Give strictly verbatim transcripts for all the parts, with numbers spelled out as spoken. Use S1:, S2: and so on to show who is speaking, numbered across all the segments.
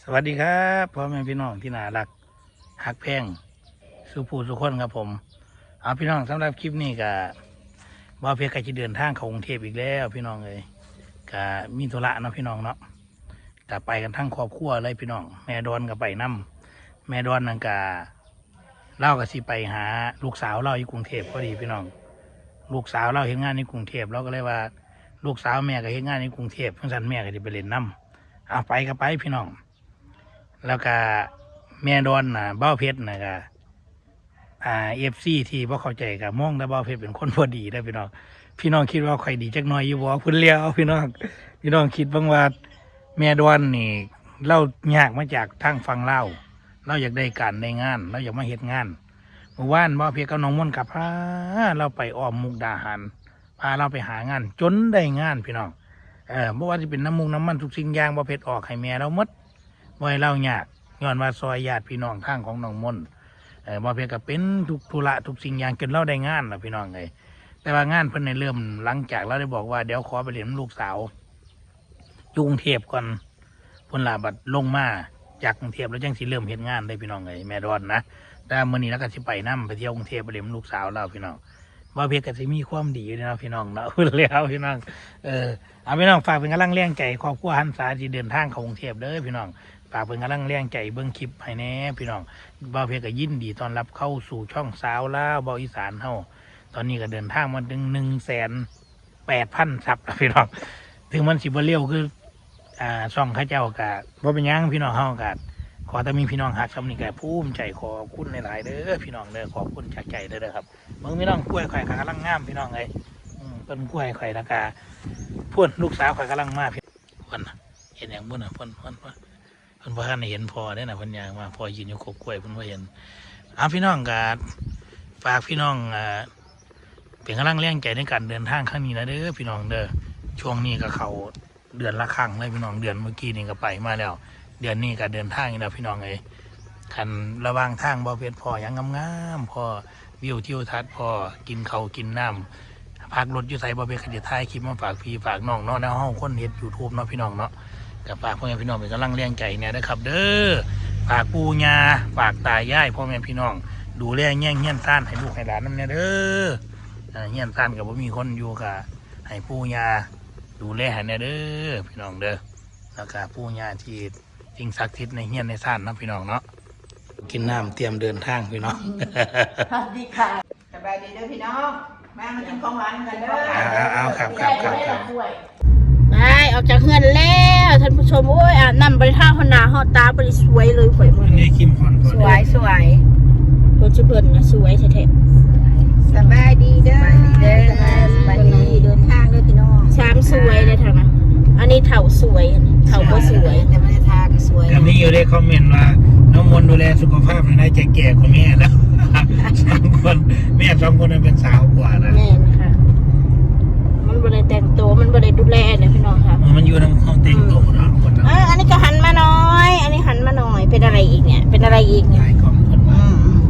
S1: วัสดีครับพ่อแม่พี่น้องที่น่ารักฮักแพงสุภูสุคนครับผมเอาพี่น้องสำหรับคลิปนี้ก็บ่าวเพชรก็จะเดินทางเข้ากรุงเทพอีกแล้วพี่น้องเลยก็มีธุระเนาะพี่น้องเนาะก็ไปกันทั้งครอบครัวเลยพี่น้องแม่ดอนก็ไปนํแม่ดอนนั่นก็เล่าก็สิไปหาลูกสาวเล่าอยู่กรุงเทพพอดีพี่น้องลูกสาวเล่าเห็นงานในกรุงเทพเราก็เลยว่าลูกสาวแม่ก็เห็นงานในกรุงเทพเพราะฉะนั้นแม่ก็จะไปเล่นน้ำเอาไปก็ไปพี่น้องแล้วก็แม่ดอนน่ะเบ้าเพชรน่ะก็อ่าเอฟซีที่พ่เข้าใจกับมองแต่เบ้าเพชรเป็นคนพอดีได้พี่น้องพี่น้องคิดว่าใครดีจักหน่อยอยู่บ่พุ่นเลี้ยวพี่น้องพี่น้องคิดบ้างว่าแม่ดอนนี่เล่ายากมาจากทางฟังเล่าเราอยากได้การได้งานเราอยากมาเฮ็ดงานเมื่อวานเบ้าเพชรกับน้องม่นกับพาเราไปอ้อมมุกดาหารพาเราไปหางานจนได้งานพี่น้องเออเมื่อวานที่เป็นน้ำมุกน้ำมันทุกสิ่งอย่างเบ้าเพชรออกให้แม่เราหมดบ่ให้เล่ายากย้อนว่าซอยญาติพี่น้องข้างของน้องมนเออบ่เพียงกับเป็นทุกธุระทุกสิ่งอย่างจนเราได้งานแล้วพี่น้องเลยแต่ว่างานเพิ่นในเริ่มหลังจากเราได้บอกว่าเดี๋ยวขอไปเรียนลูกสาวอยู่กรุงเทพก่อนเพิ่นลาบัดลงมาจากกรุงเทพแล้วจังสิเริ่มเฮ็ดงานได้พี่น้องเลยแม่ดอนนะแต่มื้อนี้แล้วก็สิไปนำไปเที่ยวกรุงเทพไปเรียนลูกสาวเราพี่น้องบ่เพียงก็สิมีความดีอยู่นะพี่น้องเนาะพูดแล้วพี่น้องเออเอาพี่น้องฝากเป็นกำลังแรงใจครอบครัวหันษาที่เดินทางเข้ากรุงเทพเด้อพี่น้องฝากเป็นกำลังแรงใจเบิ้งคลิปให้แน่พี่น้องบ่าวเพชรก็ยินดีต้อนรับเข้าสู่ช่องสาวลาวบ่าวอีสานเฮาตอนนี้ก็เดินทางมาถึงหนึ่งแสนแปดพันซับแล้วพี่น้องถึงมันสิบ่เร็วคืออ่าช่องข้าเจ้าก็บ่เป็นหยังพี่น้องเฮาก็ขอแต่มีพี่น้องหักสำนึกก็ภูมิใจขอบคุณหลายๆเด้อพี่น้องเด้อขอบคุณจากใจเด้อครับเบิ่งพี่น้องกล้วยข่อยก็กำลังงามพี่น้องเอ้ยอืมต้นกล้วยข่อยแล้วก็พ่นลูกสาวข่อยกำลังมาพี่พ่นเห็นหยังบ่น่ะพ่นพ่นพ่นเพิ่นบ่ทันได้เห็นพอได้น่ะเพิ่นย่างมาพอยืนอยู่กกกล้วยเพิ่นบ่เห็นเอาพี่น้องก็ฝากพี่น้องอ่าเป็นกำลังแรงใจในการเดินทางครั้งนี้นะเด้อพี่น้องเด้อช่วงนี้ก็เข้าเดือนละครั้งเลยพี่น้องเดือนเมื่อกี้นี่ก็ไปมาแล้วเดือนนี้ก็เดินทางอีกแล้วพี่น้องเอ้ยคันระหว่างทางบ่เพชรพอหยังงามๆพอวิวทิวทัศน์พอกินข้าวกินน้ำพักรถอยู่ไสบ่เพชรก็จะถ่ายคลิปมาฝากพี่ฝากน้องเนาะแนวเฮาคนเฮ็ด YouTube เนาะพี่น้องเนาะกับฝากพ่อแม่พี่น้องเป็นกำลังแรงใจเนี่ยนะครับเด้อฝากปู่ย่าฝากตายายพ่อแม่พี่น้องดูแลแย่งเงี้ยนซ่านให้ลูกให้หลานน้ำเนี่ยเด้อเงี้ยนซ่านกับว่ามีคนอยู่กับให้ปู่ย่าดูแลให้เนี่ยเด้อพี่น้องเด้อแล้วก็ปู่ย่าที่สิ่งศักดิ์สิทธิ์ในเงี้ยนในซ่านนะพี่น้องเนาะกินน้ำเตรียมเดินทางพี่น้อง
S2: สวัสดีค่ะสบายดีเด้อพี่น้องมามากินของหวานกันเด้อ
S1: เอาครับครับครับครับ
S3: ไปออกจากเฮือนแล้วท่านผู้ชมโอ้ยอาบน้ำบริท่าหนาหอตาบริสวยเลยข่อยมือ
S1: นี่คิมพอนสวย
S2: สวย
S3: รถชิเพิ่นนะสวยแท้
S2: ๆสบายดีเด้อเด้อสบายดีเดินทางเด้อพี่น้อง
S3: ช้างสวยเลยทางนั้นอันนี้เถาสวยเถาก็สวย
S2: แต่ไม่ได้ทาก็สวย
S1: ก็มีอยู่ในคอมเมนต์ว่าน้องมนดูแลสุขภาพในใจแก่กว่าแม่แล้วสองคนแม่สองคนนั้นเป็นสาวกว่านะ
S3: แม่ค่ะมันบริแต่งตัวมันบริดูแลเนี่ยพี่น้องค่ะ
S1: มันอยู่ในห้องแต่งตัวนะคนนั้น
S3: อันนี้ก็หันมาน้อยอันนี้หันมาหน่อยเป็นอะไรอีกเนี่ยเป็นอะไรอีกเนี่ย
S1: ของคนมา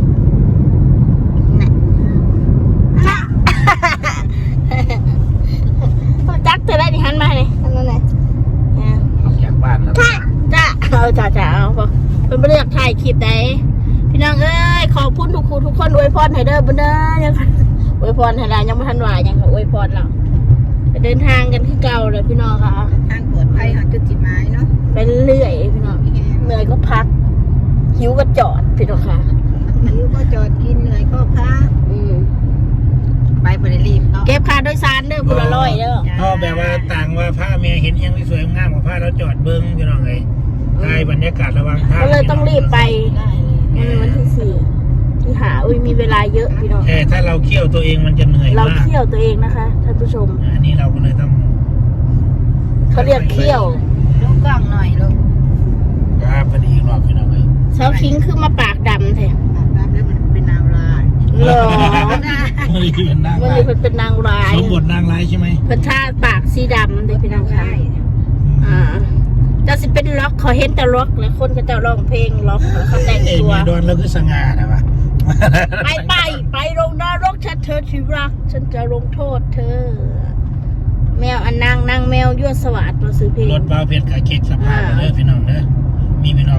S3: จักเธอได้ดิหันมาเลยอันนั้นเลย
S1: ออกจากบ้านแล้ว
S3: จ้าเอาจ้าจ้าเอาพอเป็นเรื่องถ่ายคลิปได้พี่น้องเอ้ยขอบคุณทุกคนทุกคนอวยพรให้เด้อบุญเด้อยังอวยพรให้เรายังไม่ทันไหวยังอวยพรเราไปเดินทางกันที่เก่าเลยพี่น้องค่ะ
S2: ทางปลอดภัยของจุดจิตหมายเนาะ
S3: ไปเรื่อยพี่น้องเหนื่อยก็พักหิวก็จอดพี่น้องค่ะ
S2: หิวก็จอดกินเหนื่อยก็พักไปบริรีบเนาะ
S3: เก็บค่าโดยสารเด้อบุญละร้อยเด้อ
S1: พ่อแบบว่าต่างว่าผ้าเมียเห็นยังสวยงามกว่าผ้าเราจอดเบิ้งพี่น้องไงได้บรรยากาศระหว่างทาง
S3: ก็เลยต้องรีบไปวันที่สี่ที่หาอุ้ยมีเวลาเยอะพี่น้อง
S1: แต่ถ้าเราเคี่ยวตัวเองมันจะเหนื่อยมาก
S3: เราเคี่ยวตัวเองนะคะท่านผู้ชม
S1: อันนี้เราก็เลยต้อง
S3: เขาเรียกเคี่ยว
S2: ลูกกล้องหน่อยลูก
S1: ครับพอดีรอบพี่น้องเลย
S3: เช้าคิงคือมาปากดำแท้
S2: ปากดำแล้วมันเป็นนางร้าย
S3: หรอ
S1: มันเลยเป็นนาง
S3: มันเลยเป็นนางร้าย
S1: สมบทนางร้ายใช่ไหม
S3: เป็นท่าปากสีดำเลยพี่น้องค่ะอ่าจะสิเป็นล็อกเขาเห็นแต่ล็อกแล้วคนก็จะร้องเพลงล็อกแล้วเขาแต่งตัว
S1: โดนแล้วคือสง่านะวะ
S3: ไปไปไปลงนรกฉันเธอที่รักฉันจะลงโทษเธอแมวอันนางนางแมวยั่วสวัสดิ์มาซื้อเพลง
S1: รถบ้าเพชรกับเค้กสภาพเลยพี่น้องเด้อมีพี่น้อง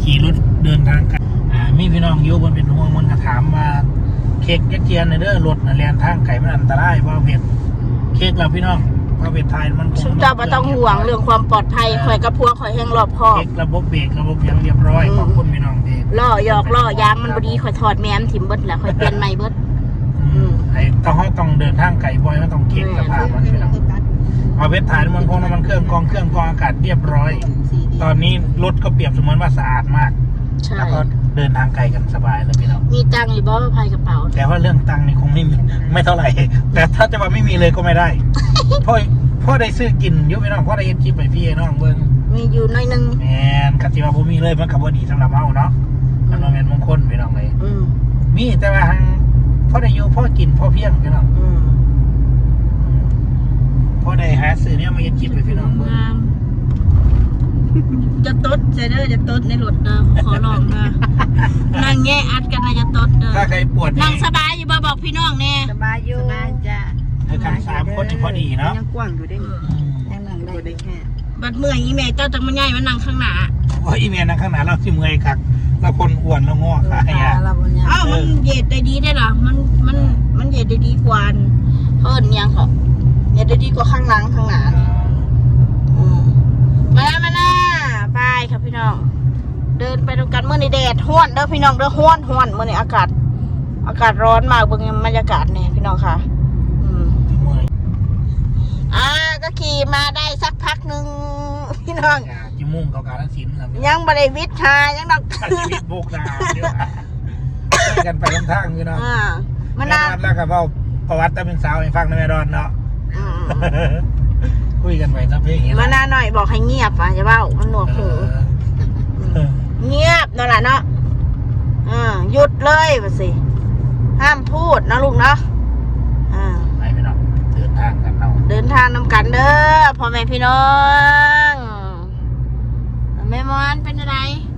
S1: ขี่รถเดินทางกันอ่ามีพี่น้องอยู่บนเป็นห่วงมันก็ถามว่าเค้กยักเจียนในเด้อรถน่ะแล่นทางไกลมันอันตรายบ่เผ็ดเค้กเราพี่น้องบ่เผ็ดไทยมันคง
S3: ชุดเจ้าบ่ต้องห่วงเรื่องความปลอดภัยข่อยกับพวกข่อยแห่งรอบคอบ
S1: เค้กระบบเบรกระบบยังเรียบร้อยขอบคุณพี่น้องที่
S3: ล่อหยอกล่อยางมันบ่ดีข่อยถอดแม้มถิ่มเบิดแล้วข่อยเปลี่ยนใหม่เบิด
S1: อืมไอ้ต้องเฮาต้องเดินทางไกลบ่อยมันต้องเค้กสภาพมันพี่น้องเอาเผ็ดไทยมันคงน้ำมันเครื่องกรองเครื่องกรองอากาศเรียบร้อย ตอนนี้รถก็เปรียบเสมือนว่าสะอาดมาก
S3: ใช่
S1: แล้วก็เดินทางไกลกันสบายเลยพี่น้อง
S3: มีตังค์อยู่บ่ภายกระเป๋า
S1: แต่ว่าเรื่องตังค์นี่คงไม่มีไม่เท่าไหร่ แต่ถ้าจะว่าไม่มีเลยก็ไม่ได้ พ่อพ่อได้ซื้อกินอยุพี่น้องพ่อได้เฮ็ดคลิปไปพี่น้องเบิ่ง
S3: มีอยู่หน้อยหนึง
S1: แมนคันที่ว่าบ่มีเลยมันก็บ่ดีสำหรับเฮาเนาะมันบ่แม่นมงคลพี่น้องเลย
S3: อืม
S1: มีแต่ว่าหังพ่อได้อยู่พ่อกินพ่อเพียงพี่น้อง
S3: อืม
S1: พ่อได้หาซื้อเนี่ยมาเฮ็ดคลิปไปพี่น้องเบิ่ง
S3: งามจะตดใจเด้อจะตดในรถเด้อขอร้องนะนั่งแง่อัดกันนะจะตดเด้อ
S1: ถ้าใครปวด
S3: นั่
S1: นี่
S3: งสบายอยู่บ่บอกพี่น้องแน่
S2: สบายอยู่สบายจ้ะ
S1: คือกันสามคนนี่พอดีเนาะ
S2: ยังกว้างอยู่ได้
S1: อืม
S2: ยังนั่งได้แค่
S3: บัดเมื่อยอีแม่เจ้าจังมันใหญ่มันนั่งข้างหน้า
S1: โอ้ยอีเมียนั่งข้างหน้าเราสิเมื่อยคักเราคนอ้วนแล้วงอขาใหญ่
S2: เราเนี่ย
S3: อ้าวมันเหยียดได้ดีได้เหรอมันมันมันเหยียดได้ดีกว่าเพิ่นยังเหรอเหยียดได้ดีกว่าข้างหลังข้างหน้าอืมมาแล้วมาหน้าไปครับพี่น้อง เดินไปตรงกันเมื่อในแดดห้วนเด้อพี่น้องเด้อห้วนห้วนเมื่อในอากาศ อากาศร้อนมากเบิ่งบรรยากาศเนี่ยพี่น้องค่ะ อืม
S1: เมื่อย
S3: อ่าก็ขี่มาได้สักพักหนึ่งพี่น้อง
S1: อย่าจิมุ่งเขาการศิลป์ครับ
S3: ยังบริวิทย์หายังดอก
S1: ชีวิตโบกนาเดี๋ยวไปกันไปลำทางอยู่เนาะ
S3: อ่ามั
S1: แม่
S3: น
S1: ด
S3: นา
S1: อนแล้วก็เว้าประวัติแต่เป็นสาวให้ฟังนะแม่ดอนเนาะ
S3: อืม
S1: คุยกันไปสักเพลง
S3: มานาหน่อยบอกให้เงียบอ่ะอย่าเบ้ามันหนวกหูเงียบนั่นแหละเนาะอ่าหยุดเลยมาสิห้ามพูดนะลูกเนาะอ่า
S1: ไปพี่น้องเดินทางกันเนาะ
S3: เดินทางนำกันเด้อพ่อแม่พี่น้องแม่มอนเป็นอะไร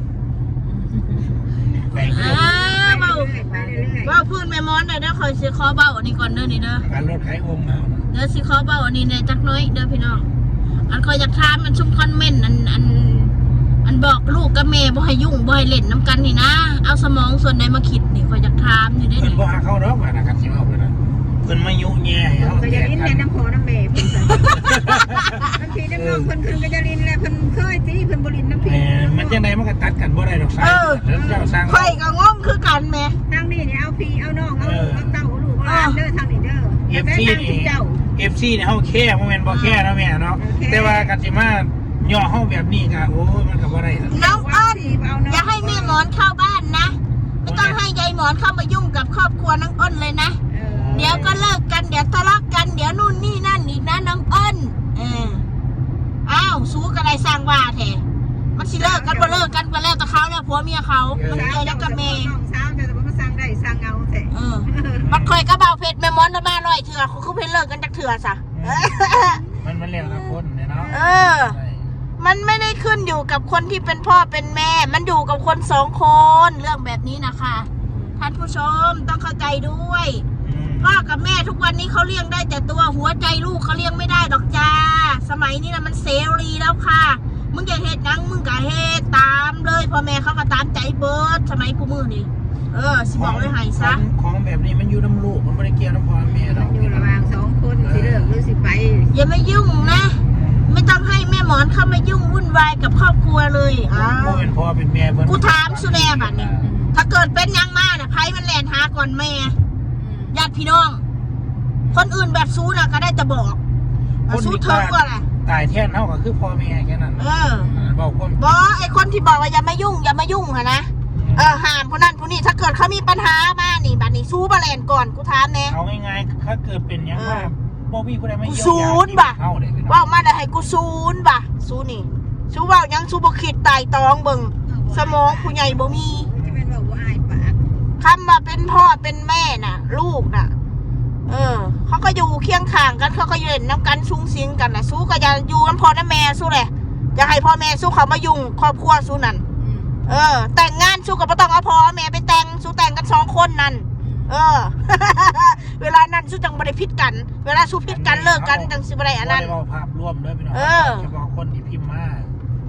S1: ไป
S3: อ่าเบาเบาพูดแม่มอนได้เด้อคอยสิขอเบาอันนี้ก่อนเด้อนี่เด้อ
S1: การรถไถองค์เอาเนาะ
S3: เด้อสิขอเบาอันนี้ในจักน้อยเด้อพี่น้องอันคอยอยากถามมันชุ่มคอนเมนต์อันอันอันบอกลูกกับแม่บ่ให้ยุ่งบ่ให้เล่นน้ำกันนี่นะเอาสมองส่วนใดมาคิดนี่คอยอยากถามนี่ได้
S1: เพิ่น
S3: นี่
S1: บ่หาเข้าดอกว่านะครับสิเอาไปนะเพิ่นมายุแย่ให้เฮา
S2: ก็
S1: แต
S2: จะ
S1: ก
S2: ลิ้น
S1: กั
S2: ใน
S1: น
S2: น้ำโพน้ำเมย์เพิ่นบางทีน้ำนองเพิ่นคืนก็จะลิ้นแล้วเพิ่นเคยสิเพิ่นบ่ลิ้นน้ำพี
S1: แหมมันจังได๋มันก็ตัดกันบ่ได้ดอกสายเจ้าสร้าง
S3: คอยก็งงคือกันแม่
S2: ทางนี้เนี่ยเอาพี่เอาน้องเอาเอาเต้าเอาลูกเอาหลานเด้อทางนี้เด้อ
S1: เอฟ
S2: แต่
S1: ซี
S2: ทาง
S1: นี่
S2: เจ้า
S1: เอฟซีเนี่ยเฮาแค่บ่แม่นบ่แค่นะแม่เนาะแต่ว่ากันสิมาย่อเฮาแบบนี้ก็โอ้ยมันก็บ่ได้ดอก
S3: น้องอ้นอย่าให้แม่หมอนเข้าบ้านนะไม่ต้องให้ยายหมอนเข้ามายุ่งกับครอบครัวน้องอ้นเลยนะเดี๋ยวก็เลิกกันเดี๋ยวทะเลาะกันเดี๋ยวนู่นนี่นั่นอีกนะน้องอ้นเอออ้าวสู้กันอะไรสร้างว่าแท้มันสิเลิกกันบ่เลิกกันก็แล้วแต่เขาแล้วผัวเมียเขามันเกี่ยวยังกับแม่
S2: น้องสาวจะมาสร้างได้สร้างเอาแท้
S3: เออมันคอยกระเบาเพชรแม่มอนมาลอยเถื่อเขาคือเพชรเลิกกันจากเถื่อซะ
S1: มันมันแล้วแต่คนเนี่ยเนาะ
S3: เออ มันไม่ได้ขึ้นอยู่กับคนที่เป็นพ่อเป็นแม่ มันอยู่กับคนสองคนเรื่องแบบนี้นะคะท่านผู้ชมต้องเข้าใจด้วย พ่อกับแม่ทุกวันนี้เขาเลี้ยงได้แต่ตัวหัวใจลูกเขาเลี้ยงไม่ได้ดอกจ้าสมัยนี้นะมันเสรีแล้วค่ะมึงอย่าเฮ็ดนังมึงก็เฮ็ดตามเลยพ่อแม่เขาก็ตามใจเบิร์ดสมัยกูมือนี่เออสิบอกไว้ให้ซะ
S1: ของแบบนี้มันอยู่น้ำลูกมันไม่ได้เกี่ยวน้ำพ่อแม่หรอก
S2: อยู่ระหว่างสองคนสิเลิกหรือสิไป
S3: อย่ามายุ่งนะ ไม่ต้องให้แม่หมอนเข้ามายุ่งวุ่นวายกับครอบครัวเลยอ้า
S1: พ่อ
S3: ว
S1: เป็นพ่อเป็นแม่เพิ่น
S3: กูถามสุแดบัดเนี่ยถ้าเกิดเป็นยังมาน่ะไพ่มันแลนหาก่อนแม่ญาติพี่น้อง คนอื่นแบบซูน่ะก็ได้แต่บอกซูเธอก็แหละ
S1: ตายแท้นเฮาก็คือพ่อแม่แค่นั้น
S3: เออ
S1: บอกคน
S3: บอไอคนที่บอกว่าอย่ามายุ่งอย่ามายุ่งอะนะเออห้ามคนนั้นคนนี้ถ้าเกิดเขามีปัญหามานี่บัดนี้ซูบาแลนก่อนกูถามแน่
S1: เอาง่ายๆถ้าเกิดเป็นอย่างว่าบ่มีผู้ใดไม่
S3: กูศูนย์บ่ะ
S1: เฮาเด้พี่น้อง
S3: ว่ามาได้ให้กูซูนบ่ะซูนี่ซูเว่ายังซูบ่คิดตายตองเบิ่งสมองผู้ใหญ่บ่มี
S2: จะเป็นบอกว่าอายปาก
S3: คำว่าเป็นพ่อเป็นแม่น่ะ ลูกน่ะ เออเขาก็อยู่เคียงข้างกันเขาก็อยู่เล่นน้ำกันซุ้งซิงกันน่ะสู้ก็จะอยู่น้ำพ่อน้ำแม่สู้เลยจะให้พ่อแม่สู้เขามายุ่งครอบครัวสู้นั่นเออ แต่งงานสู้กับพ่อต้องเอาพ่อแม่ไปแต่งสู้แต่งกันสองคนนั่นเออ เวลานั้นสู้จังบริพิษกัน เวลาสู้พิษกันเลิกกันจังสิบไรอันนั้น
S1: บ่ได้เว้าภาพรวมเด้อพี่น้อง
S3: เออ
S1: เฉพาะคนที่พิมพ์มา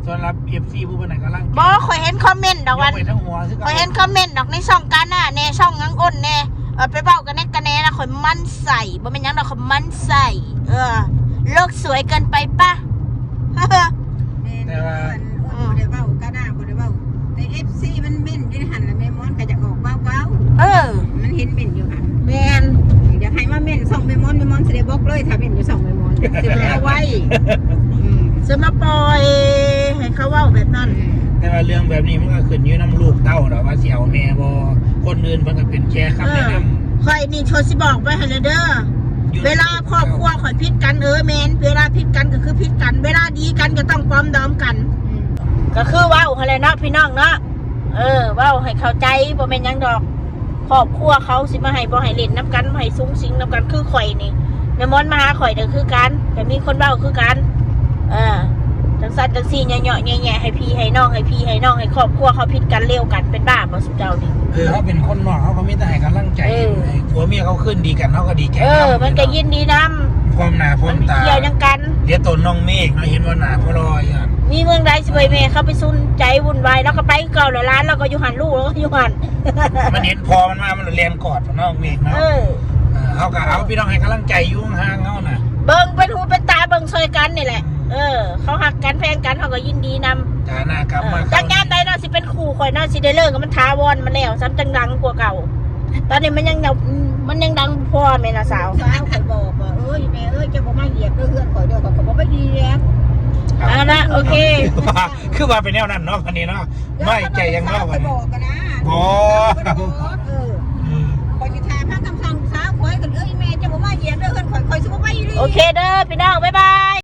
S1: สำหรับ เอฟ ซี ผู้เป็นไหนกำลัง
S3: บอข่อยเห็นคอมเมนต์ดอกวัน
S1: ยกไปทั้งหัวคือ
S3: ข่อยเห็นคอมเมนต์ดอกในช่องกันน่ะแน่ช่องงังอ้นแน่เออไปเบ้ากันแน่กันแน่นะข่อยมั่นใส่บ่เป็นหยังดอกข่อยมั่นใส่เออโลกสวยเกินไปปะ
S2: แต่ว่าบ่ได้เว้าก็น่าบ่ได้เว้าแต่ เอฟ ซี มันเม่นอยู่ในหันแล้วแม่มอนก็จะออกเว้า
S3: เออ
S2: ๆมันเห็นเม่นอยู่หัน
S3: แมน
S2: อยากให้มาเม่นส่องแม่มอนแม่มอนสิได้บอกเลยถ้าเม่นอยู่ส่องแม่มอนสิบ่เอาไว้อืม
S3: จะมาปล่อยให้เขาเว้าแบบนั้น
S1: แต่ว่าเรื่องแบบนี้มันก็ขึ้นอยู่น้ำลูกเต้าเนาะว่าเสี่ยวแม่บอคนอื่นมันก็เป็นแค่คำแนะนำ
S3: ข่อยนี่โทรสิบอกไว้ให้เลยเด้อ เวลาครอบครัวข่อยพิดกันเออแมนเวลาพิดกันก็คือพิดกัน เวลาดีกันก็ต้องปลอมดอมกัน ก็คือเว้าอะไรเนาะพี่น้องเนาะเออเว้าให้เข้าใจบ่แม่นหยังดอกครอบครัวเขาสิมาให้บ่ให้เล่นน้ำกันบ่ให้ซุ้งสิงน้ำกันคือข่อยนี่แม่มอนมาหาข่อยเด้อคือกันแต่มีคนเว้าคือกันเออจังซั่นจังซี่เหยาะๆแย่ๆให้พี่ให้น้องให้พี่ให้น้องให้ครอบครัวเขาพิดกันเร็วกันเป็นบ้าบ่สุดเจ้านี่
S1: เออเขาเป็นคนนอกเขาก็มีแต่ให้กำลังใจ
S3: เออ
S1: ผัวเมียเขาขึ้นดีกันเขาก็ดีใจ
S3: เออ มันก็ยินดีนำ
S1: พร้อมหน้าพร้อ
S3: มัน
S1: ม
S3: ไม่
S1: ตา
S3: เกี่ยวหยังกัน
S1: เดี๋ยวตนน้องเมฆเราเห็นว่าหนาพอลอยอ่ะ
S3: มีเมืองใดสิไปแม่เข้าไปซุนใจวุ่นวายแล้วก็ไปเก่าเลยร้านแล้วก็อยู่หันลูกแล้วก็อยู่หัน
S1: มันเห็นพอมันมามันเรียนกอดน้องเมฆเนาะ
S3: เออ
S1: เออเขาก็เอาพี่น้องให้กำลังใจอยุ่งห่างเขาน่ะ
S3: เบิ่งเป็นหูเป็นตาเบิ่งซอยกันนี่แหละ เออ เขาหักกันแพงกันเขาก็ยินดีนำ
S1: ฐานะกลับมา
S3: จากงานใดเนาะสิเป็นคู่ข่อยเนาะสิได้เลิกกับมันท้าวอนมันแล้วซ้ำจังดังกว่าเก่า ตอนนี้มันยังเนามันยังดังพอแม่น่ะสาว
S2: สาวข่อยบอกว่าเอ้ยแม่เอ้ยจะบ่มาเหยียบเด้อเฮือนข่อยเด้อข่อยก็บ่ไปเหยียบ
S3: เอาละโอเค
S1: คือว่าคือว่าเป็นแนวนั้นเนาะวันนี้เนาะไม่ใจยังนอก
S2: ข่
S1: วั
S2: อน ย
S1: นี้
S2: บอกกันนะ
S1: อ๋อ
S2: ข่อยบอกเออข่อยสิทาพาคำสั่งสาวข่อยกันเอ้ยแม่จะบ่มาเหยียบเด้อเฮือนข่อยข่อยสิบ่ไปอีหลี
S3: โอเคเด้อพี่น้องบ๊ายบาย